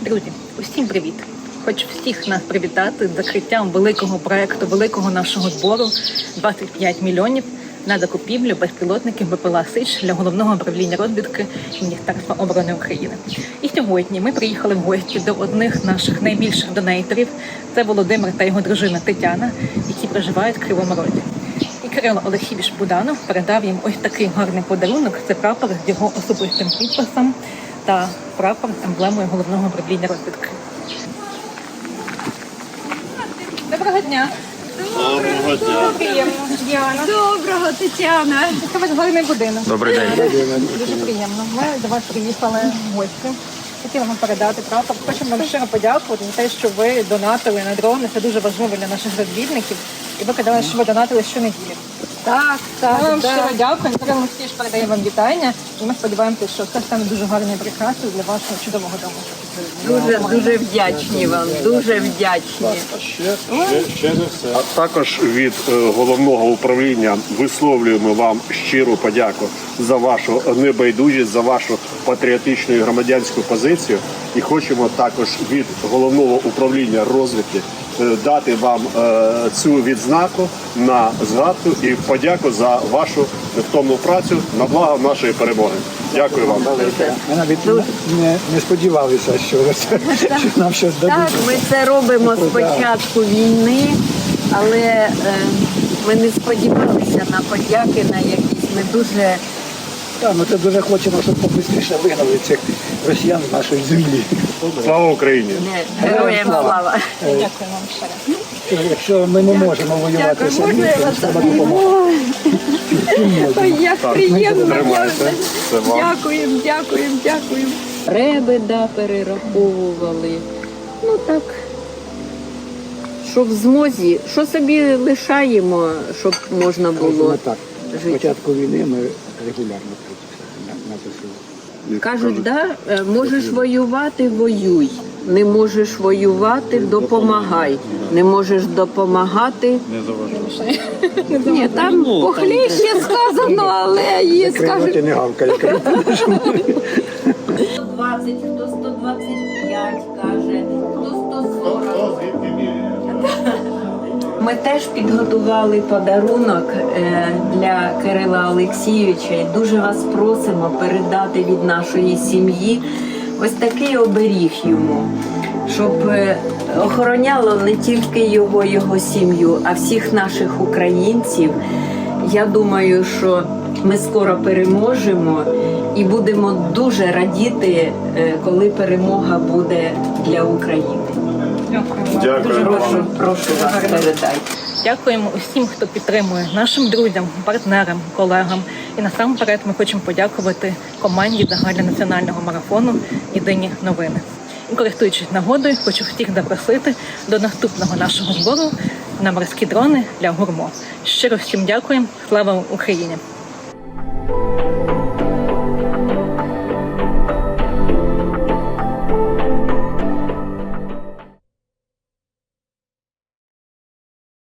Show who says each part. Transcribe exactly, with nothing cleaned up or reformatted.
Speaker 1: Друзі, усім привіт! Хочу всіх нас привітати з закриттям великого проекту, великого нашого збору двадцять п'ять мільйонів на закупівлю безпілотників БПЛА «Сич» для Головного управління розвідки Міністерства оборони України. І сьогодні ми приїхали в гості до одних з наших найбільших донейтерів. Це Володимир та його дружина Тетяна, які проживають в Кривому Розі. І Кирило Олексійович Буданов передав їм ось такий гарний подарунок. Це прапор з його особистим підписом та прапор з емблемою Головного управління розвідки. Доброго дня!
Speaker 2: Доброго дня!
Speaker 1: Приємно, Діана.
Speaker 3: Доброго, Тетяна.
Speaker 1: Це ваш гарний будинок.
Speaker 2: Добрий день.
Speaker 1: Дуже приємно. Ми до вас приїхали в гості. Хотіла вам передати прапор. Хочемо вам щиро подякувати за те, що ви донатили на дрони. Це дуже важливо для наших розвідників. І ви казали, що ви донатили щонеділі.
Speaker 3: Так, так,
Speaker 1: Ми вам
Speaker 3: так.
Speaker 1: щиро дякуємо. Кирило Олексійович передає вам вітання. І ми сподіваємося, що це стане дуже гарною прикрасою для вашого чудового дому.
Speaker 3: Дуже, дуже вдячні вам, дуже вдячні.
Speaker 2: А ще, ще, ще не все. А також від е, головного управління висловлюємо вам щиру подяку за вашу небайдужість, за вашу патріотичну і громадянську позицію. І хочемо також від головного управління розвідки е, дати вам е, цю відзнаку на згадку і подяку за вашу невтомну працю на благо нашої перемоги. Дякую вам.
Speaker 4: Ми навіть не, не сподівалися, що, це, що нам щось дадуть.
Speaker 3: Так, ми це робимо з початку війни, але е, ми не сподівалися на подяки, на якісь. Ми дуже
Speaker 4: Так, ми це дуже хочемо, щоб побистріше вигнали цих росіян з нашої землі.
Speaker 2: Слава Україні!
Speaker 3: не, героям слава.
Speaker 1: Дякую вам ще раз.
Speaker 4: Якщо ми не можемо воювати
Speaker 3: Дякую,
Speaker 4: самі,
Speaker 3: можна я
Speaker 4: то
Speaker 3: вас
Speaker 4: треба допомагати.
Speaker 3: Ой, як приємно.
Speaker 2: Тримайте. Це вам.
Speaker 3: Дякуємо, дякуємо, дякуємо. Реби, да, перераховували. Ну так, що в змозі, що собі лишаємо, щоб можна було
Speaker 4: Ми так, з
Speaker 3: жити.
Speaker 4: початку війни ми регулярно працюємо на, на ЗСУ.
Speaker 3: Кажуть, да, е, можеш воювати – воюй. Не можеш воювати – допомагай. Не можеш допомагати – ні, там похліще сказано, але є,
Speaker 4: Кривоті
Speaker 3: скажуть.
Speaker 4: не гавкає.
Speaker 3: сто двадцять, хто сто двадцять п'ять каже, хто сто сорок. Ми теж підготували подарунок е, для Кирила Олексійовича і дуже вас просимо передати від нашої сім'ї ось такий оберіг йому, щоб е, охороняло не тільки його, його сім'ю, а всіх наших українців. Я думаю, що ми скоро переможемо і будемо дуже радіти, е, коли перемога буде для України.
Speaker 1: Дякую.
Speaker 2: Дякую
Speaker 1: Дуже
Speaker 2: вам.
Speaker 3: Прошу, прошу вас, передайте.
Speaker 1: Дякуємо усім, хто підтримує, нашим друзям, партнерам, колегам. І насамперед ми хочемо подякувати команді загальнонаціонального марафону «Єдині новини». І користуючись нагодою, хочу всіх запросити до наступного нашого збору на морські дрони для гурмо. Щиро всім дякуємо. Слава Україні!